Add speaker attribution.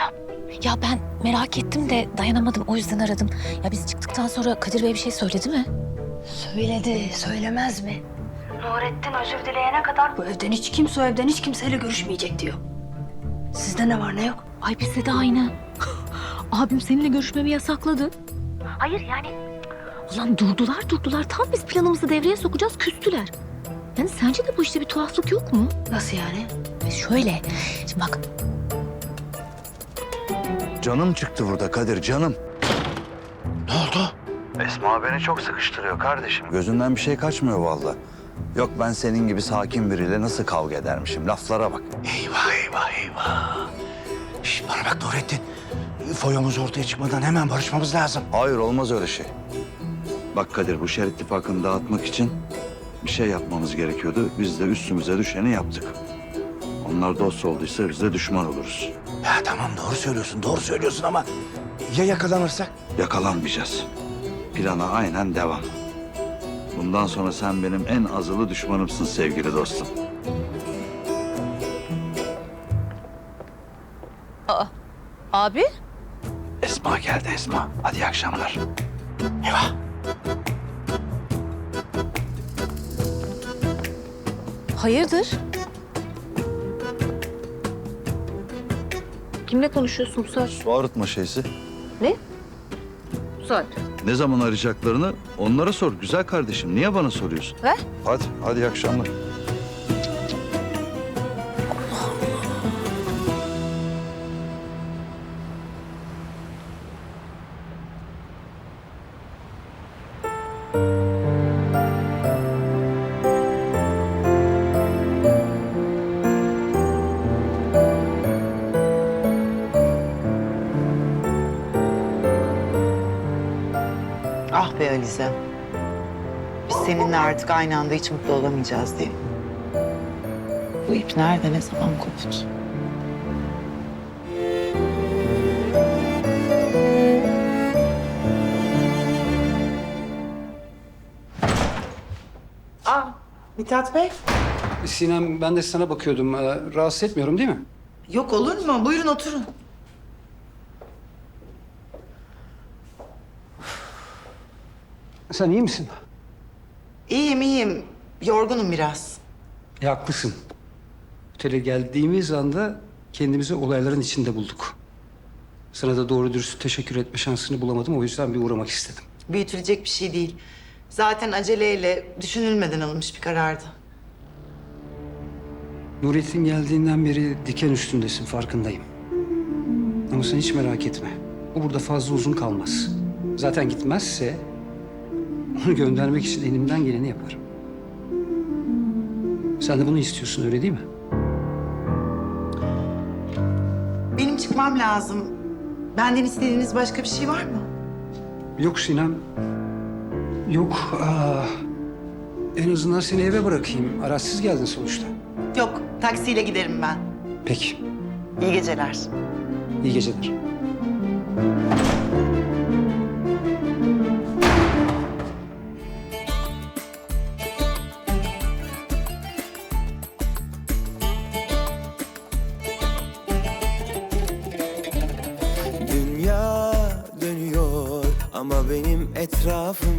Speaker 1: Ya ben merak ettim de dayanamadım, o yüzden aradım. Ya biz çıktıktan sonra Kadir Bey bir şey söyledi mi?
Speaker 2: Söyledi, söylemez mi? Nurettin özür dileyene kadar bu evden hiç kimse o evden hiç kimseyle görüşmeyecek diyor. Sizde ne var ne yok?
Speaker 1: Ay bizde de aynı. Abim seninle görüşmemi yasakladı. Hayır yani... Ulan durdular. Tam biz planımızı devreye sokacağız, küstüler. Yani sence de bu işte bir tuhaflık yok mu?
Speaker 2: Nasıl yani?
Speaker 1: Şöyle, şimdi bak...
Speaker 3: Canım çıktı burada Kadir, canım.
Speaker 4: Ne oldu?
Speaker 3: Esma beni çok sıkıştırıyor kardeşim. Gözünden bir şey kaçmıyor vallahi. Yok ben senin gibi sakin biriyle nasıl kavga edermişim, laflara bak.
Speaker 4: Eyvah. Şş, bana bak Nurettin. Foyamız ortaya çıkmadan hemen barışmamız lazım.
Speaker 3: Hayır olmaz öyle şey. Bak Kadir, bu şer ittifakını dağıtmak için bir şey yapmamız gerekiyordu. Biz de üstümüze düşeni yaptık. Onlar dost olduysa biz de düşman oluruz.
Speaker 4: Ya tamam doğru söylüyorsun ama ya yakalanırsak?
Speaker 3: Yakalanmayacağız. Plana aynen devam. Bundan sonra sen benim en azılı düşmanımsın sevgili dostum.
Speaker 1: Abi?
Speaker 3: Esma geldi Esma. Hadi iyi akşamlar.
Speaker 4: Eyvah.
Speaker 1: Hayırdır? Kimle konuşuyorsun bu saat?
Speaker 3: Su arıtma şeysi.
Speaker 1: Ne? Bu saat.
Speaker 3: Ne zaman arayacaklarını onlara sor güzel kardeşim. Niye bana soruyorsun?
Speaker 1: Ver.
Speaker 3: Hadi iyi akşamlar.
Speaker 5: Ah be Alize. Biz seninle artık aynı anda hiç mutlu olamayacağız diye. Bu ip nerede, ne zaman koptu? Mithat Bey.
Speaker 6: Sinem, ben de sana bakıyordum. Rahatsız etmiyorum değil mi?
Speaker 5: Yok olur mu? Buyurun oturun.
Speaker 6: Sen iyi misin?
Speaker 5: İyiyim. Yorgunum biraz.
Speaker 6: Haklısın. Otele geldiğimiz anda kendimizi olayların içinde bulduk. Sana da doğru dürüst teşekkür etme şansını bulamadım. O yüzden bir uğramak istedim.
Speaker 5: Büyütülecek bir şey değil. Zaten aceleyle, düşünülmeden alınmış bir karardı.
Speaker 6: Nurettin geldiğinden beri diken üstündesin, farkındayım. Ama sen hiç merak etme. O burada fazla uzun kalmaz. Zaten gitmezse onu göndermek için elimden geleni yaparım. Sen de bunu istiyorsun, öyle değil mi?
Speaker 5: Benim çıkmam lazım. Benden istediğiniz başka bir şey var mı?
Speaker 6: Yok Sinem. Yok. En azından seni eve bırakayım. Araçsız geldin sonuçta.
Speaker 5: Yok, taksiyle giderim ben.
Speaker 6: Peki.
Speaker 5: İyi geceler.
Speaker 6: İyi geceler.
Speaker 7: Dünya dönüyor ama benim etrafım